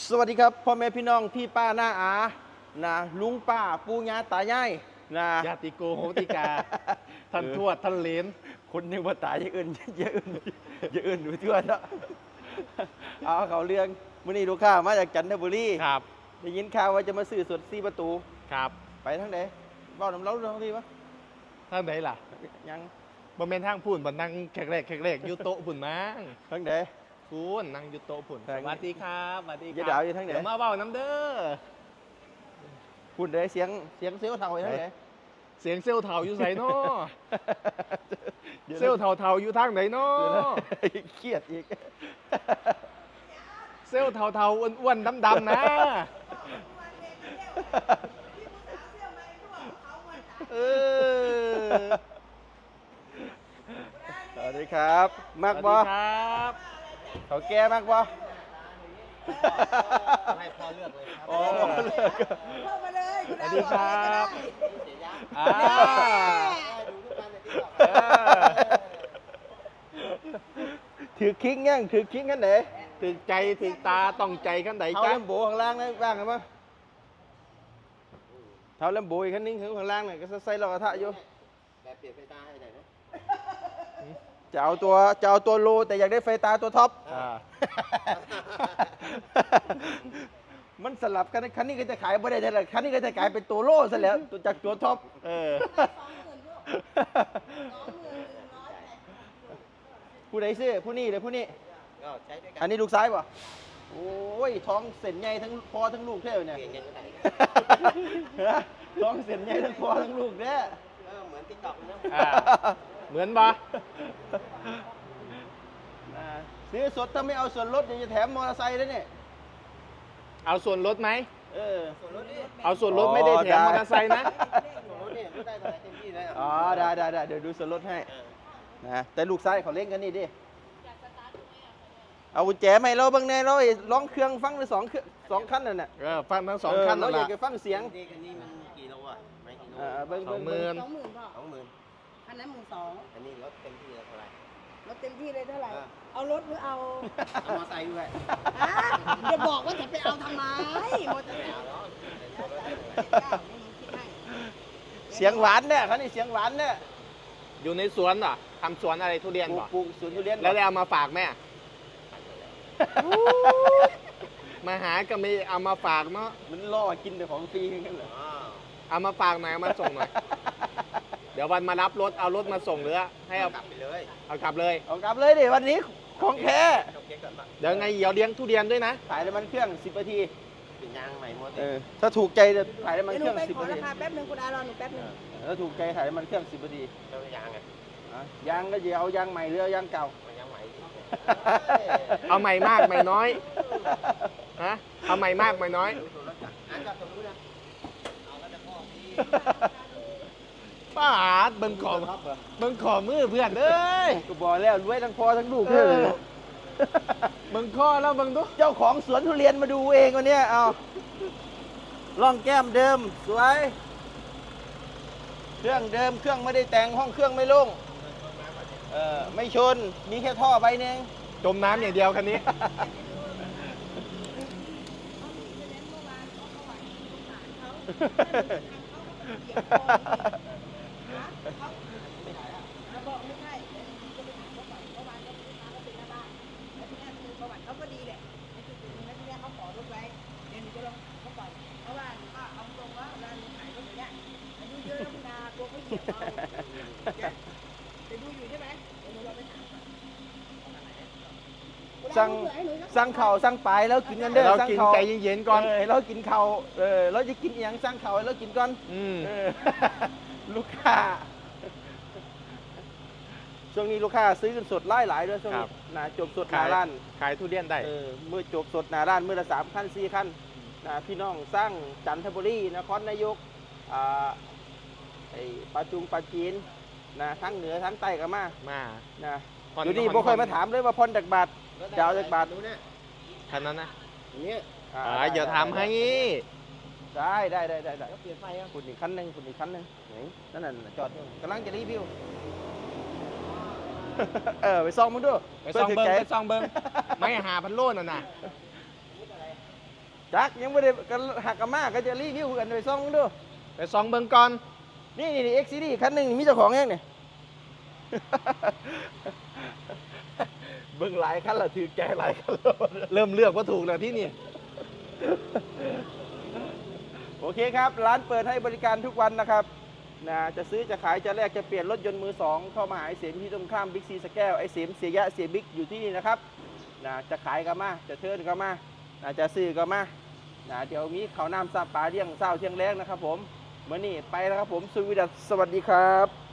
สวัสดีครับพ่อแม่พี่น้องพี่ป้าน้าอานะลุงป้าปู่ย่าตายายนะญาติโกโหติกา ท่านทวดท่านเหลนคนนึงว่าตายอย่างอื่นเยอะอื่นเยอะอื่นอยู่ทั่วเนาะเอาเขาเรื่องมื้อนี้ลูกค้ามาจากจันทบุรีครับได้ยินข่าวว่าจะมาซื้อสด4ประตูครับไปทางไหนเว้าน้ำเล้าทางที่ปะทางไหนล่ะยังบ่แม่นทางพูนบ่นั่งแขกอยู่โต๊ะพุ่นมั้งทางไหนพูนนั่งอยู่โต๊ะพุ่นทางสวัสดีครับสวัสดีคอย่ารัด่าอยู่ทางไหนเดี๋ยวมาเว้าน้ำเด้อพูดได้เสียงเซลล์เท่าไปทางไหนเสียงเซลล์เฒ่าอยู่ไสน้อเซลล์เฒ่าอยู่ทางไหนน้อเครียดอีกเซลล์เฒ่าอ้วนๆดำๆนะเออสวัสดีครับมากบ่สวัสดีครับเขาแก่มากบ่ให้พ่อเลือกเลยครับโอ้เลิกเข้ามาเลยคุณสวัสดีครับเสียยะอ่าดูทุกวันในที่บอกเออถือคิงยังถือคิงกันไหนถึกใจถึกตาต้องใจขั้นใดเท้าจ้ะเล่มโบข้างล่างนะบ้างกันปะเท้าเล่มโบอีกคันนึงข้างล่างน่ะก็ใส่รอกระทะอยู่แบบเปลี่ยนไฟตาให้หน่อยนะจะเอาตัวโลแต่อยากได้ไฟตาตัวท็อปอ่ามันสลับกันคันนี้ก็จะขายไม่ได้แต่คันนี้ก็จะกลายเป็นตัวโลซะแล้วตัวจากตัวท็อปเออผู้ใดซื้อผู้นี้หรือผู้นี้ก็ใช้ด้วยกัอันนี้ลูกซ้ายป่ะโอ้ยท้องเส้นใหญ่ทั้งพ่อทั้งลูกเท่าเนี่ยเปลี่ยนกันเมื่อไหร่ฮะท้องเส้นใหญ่ทั้งพ่อทั้งลูกเนี่ยเหมือนติ๊กต็อกเลยนะอ่า เหมือนปะซื้อสดถ้าไม่เอาส่วนลดเดี๋ยวจะแถมมอเตอร์ไซค์ด้วยเนี่ยเอาส่วนลดไหมเออส่วนลดนี่เอาส่วนลดไม่ได้แถมได้มอเตอร์ไซค์นะส่วนลดนี่ก็ได้เท่าไหร่เต็มที่เลยอ๋อได้เดี๋ยวดูส่วนลดให้นะแต่ลูกซ้ายเขาเล่นกันนี่ดิเอากุญแจไหมาให้เราบางแน่เราไอ้ร้องเครื่องฟังเลยสองขั้นนั่นน่ะเออ ฟังทั้งสองขั้นเรานั่นอยาแหกละจะฟังเสียงนี่คันนี้มันกี่โลอ่ะไม่กี่โลเบิ้ง 20,000 20,000พ่อ 20,000 อันนั้น12,000 อันนี้รถเต็มที่เลยเท่าไหร่รถเต็มที่เลยเท่าไหร่อ่าเอารถหรือเอาเอามอไซค์ด้วยฮะจะบอกว่าจะไปเอาทำไมมอเตอร์ไซค์เอาเนาะเสียงหวานเนี่ยเขานี่เสียงหวานเนี่ยอยู่ในสวนเหรอทำสวนอะไรทุเรียนเหรอปลูกสวนทุเรียนแล้วได้เอามาฝากแม่ มาหาก็ไม่เอามาฝากเนาะมันล่อกินแต่ของฟรีกันเหรออ๋อเอามาฝากหน่อยเอามาส่งหน่อย เดี๋ยววันมารับรถเอารถมาส่งหรือให้เอากลับไปเลยเอากลับเลยเอากลับเลยดิวันนี้ของแท้จบเก๊กก่อนปะเดี๋ยวไงเดี๋ยวเลี้ยงทุเรียนด้วยนะถ่ายน้ำมันเครื่อง10นาทีเปลี่ยนยางใหม่หมดเออถ้าถูกใจจะถ่ายน้ำมันเดี๋ยวเคหนูรื่องไปขอ 10นาราทีคาแป๊บนึงคุณอารอหนูแป๊บนึงถ้าถูกใจถ่ายน้ำมันเครื่อง10นาทีเจ้ายางอ่ะอ่ะยางก็จะเอายางใหม่หรือเอายางเก่ามันยางใหม่ดิเอาใหม่มากใหม่น้อย ฮะ เอาใหม่มากใหม่น้อยดูส่วนลดจ้ะอ่านจากตรงนู้นนะเอาแล้วจะพ่อพี่ป้าอาดเบิ่งขอเบิ่งขอมือเพื่อนเอ้ยก็บอกแล้วรวยทั้งพ่อทั้งลูกเอเลยอ เบิ่งข้อแล้วเบิ่งดูเจ้าของสวนทุเรียนมาดูเองวันเนี้ยเอาล่องแก้มเดิมสวย เครื่องเดิมเครื่องไม่ได้แต่งห้องเครื่องไม่โล่งไม่ชนมีแค่ท่อใบหนึงจมน้ำอย่างเดียวคันนี้บอกไม่ใช่เดี๋ยวหนูจะไปถามเขาก่อนเมื่อวานก็ลูกค้าก็เป็นหน้าบ้านแล้วทีนี้คือประวัติเขาก็ดีแหละในจุดๆนึงแล้วทีนี้เขาขอรถไว้เดี๋ยวหนูจะลองเขาก่อนเพราะว่าหนูก็เอาตรงว่าเวลาหนูขายรถอย่างเงี้ยอายุเยอะแล้วคุณอาตัวเขาเหยียบเอาจะดูอยู่ใช่ไหมเดี๋ยวหนูลองไปถามก่อนสั่งเข่าสั่งปลายแล้วกินกันเด้อเราสั่งกินเข่าใจเย็นๆก่อนเรากินเข่าเราจะกินอหย่างสั่งเข่าให้เรากินก่อนอืมลูกค้า ช่วงนี้ลูกค้าซื้อกันสดหลายด้วยช่วงครันี้บนะจบสดหนาร้านขายทุเรียนได้มือจบสดหนาร้านมือละ3 คัน 4 คันนะพี่น้องสร้างจันทบุรีนครนายกไอ้ปลาจุงปลาจีนนะทั้งเหนือทั้งใต้ก็มามานะผ่อนอยู่นี่ผ่อนบ่เคยมาถามเลยว่าพรจากบาท จะเอาจากบาทนู้นนะคันนั้นนะอันเนี้ยอย่าทำให้ได้ก็เปลี่ยนไฟอ่ะคุณอีกคันหนึ่งคุณอีกคันหนึ่งไหนนั่นน่ะจอดอยู่กำลังจะรีวิว ไปซ่องมึงดูไปซองเบิ้งพื่ไปซองเบิ้งไม่หาพันโลน่ะนะจักยังไม่ได้กันหักกันมากก็จะรีวิวกันไปซ่องดูไปซองเบิ่งก่อนนี่เอ็กซ์ซีดีคันหนึ่งนี่มีเจ้าของเองเนี่ย เบิ่งหลายคันละถือแกหลายคันแล้วเริ่มเลือกว่าถูกแล้วที่นี่โอเคครับ ร้านเปิดให้บริการทุกวันนะครับนะจะซื้อจะขายจะแลกจะเปลี่ยนรถยนต์มือสองเข้ามาหาไอ้เสมที่ตรงข้ามบิ๊กซีสแก้วไอ้เสมเสียยะเสียบิ๊กอยู่ที่นี่นะครับนะจะขายก็มาจะเทิร์นก็มานะจะซื้อก็มานะเดี๋ยวมีข้าวน้ำซาปลาเลี้ยงเศร้าเที่ยงแรงนะครับผมเมื่อนี้ไปแล้วครับผมสวีดัสสวัสดีครับ